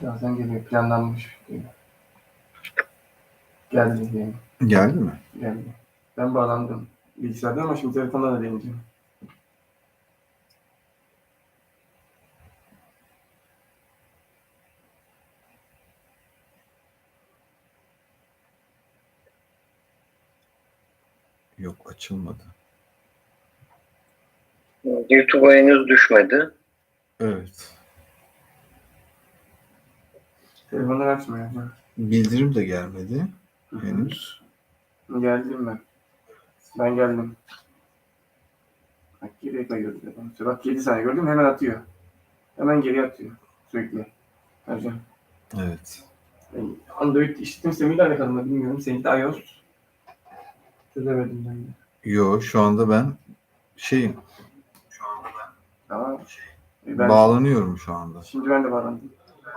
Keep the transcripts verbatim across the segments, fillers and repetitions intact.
Birazdan geliyor. Planlanmış. Geldi diyelim. Geldi mi? Geldi. Ben bağlandım bilgisayardan ama şimdi telefondan da deneyeceğim. Yok, açılmadı. YouTube'a henüz düşmedi. Evet. Telefonlar açmıyor. Hı. Bildirim de gelmedi henüz. Geldim ben. Ben geldim. Bak geriye kayıyordu telefonu. Bak yedi saniye gördün mü? Hemen atıyor. Hemen geri atıyor. Sürekli. Ercan. Evet. Yani Android işletim sistemiyle alakalı mı bilmiyorum. Seninki de iOS. Çözemedim ben de. Yo, şu anda ben şeyim. Tamam. E ben Bağlanıyorum şu anda. Şimdi ben de bağlandım.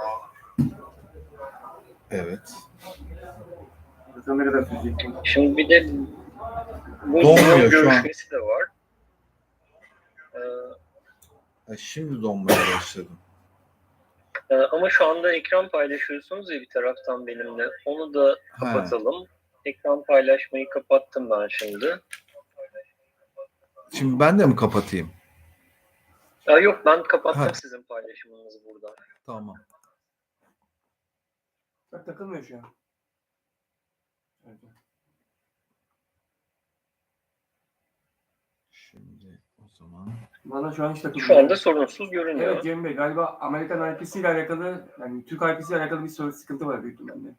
Evet. Bakalım ne kadar sürecek. Şimdi bir de bu Donmuyor Zoom şu an. görüşmesi de var. Ee, Ha, şimdi donmaya başladım. e, ama şu anda ekran paylaşıyorsunuz ya bir taraftan benimle. Onu da kapatalım. Ekran paylaşmayı kapattım ben şimdi. Şimdi ben de mi kapatayım? Aa, yok ben kapattım Ha. sizin paylaşımınızı burada. Tamam. Bak takılmıyor şu an. Evet. Şimdi o zaman. Bana şu an hiç takılmıyor. Şu anda sorunsuz görünüyor. Evet Cem Bey, galiba Amerikan I P'si ile alakalı, yani Türk I P'si ile alakalı bir sorun, sıkıntı var büyük ihtimalle.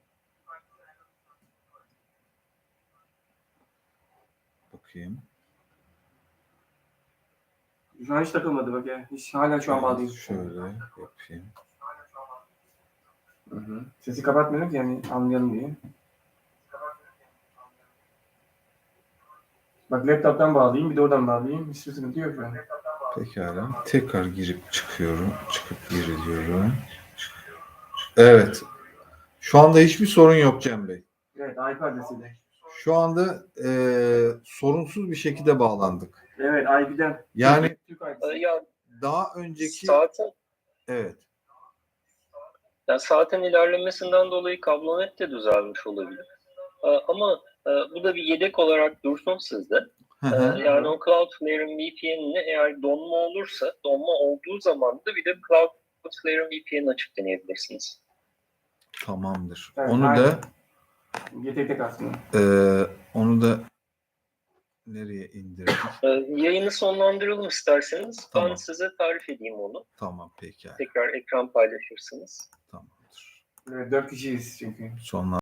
Bakayım. Şu an hiç takılmadı bak ya. Hiç, hala şu an Evet, bağlıyım. şöyle yapayım. Hı hı. Sesi kapatmıyorum ki yani anlayalım diye. Bak laptop'tan bağlayayım, bir de oradan bağlayayım. Hiçbir sıkıntı yok şu an. Pekala. Tekrar girip çıkıyorum. Çıkıp giriyorum. Evet. Şu anda hiçbir sorun yok Cem Bey. Evet, I P adresiyle. Şu anda e, sorunsuz bir şekilde bağlandık. Evet, I P'den. Yani Türk Ee, I P'si. ya daha önceki saatin, evet. ya saatin ilerlemesinden dolayı kablonet de düzelmiş olabilir. Ee, ama e, bu da bir yedek olarak dursun sizde. Hı Ee, hı. yani o Cloudflare'in V P N'ini eğer donma olursa, donma olduğu zaman da bir de Cloudflare'in V P N'ini açık deneyebilirsiniz. Tamamdır. Evet, Onu aynen. da Bir tek tek aslında. e, onu da nereye indirdik? Ee, yayını sonlandıralım isterseniz. Tamam. Ben size tarif edeyim onu. Tamam, pekala. Tekrar ekran paylaşırsınız. Tamamdır. Evet, dört kişiyiz çünkü. Sonlar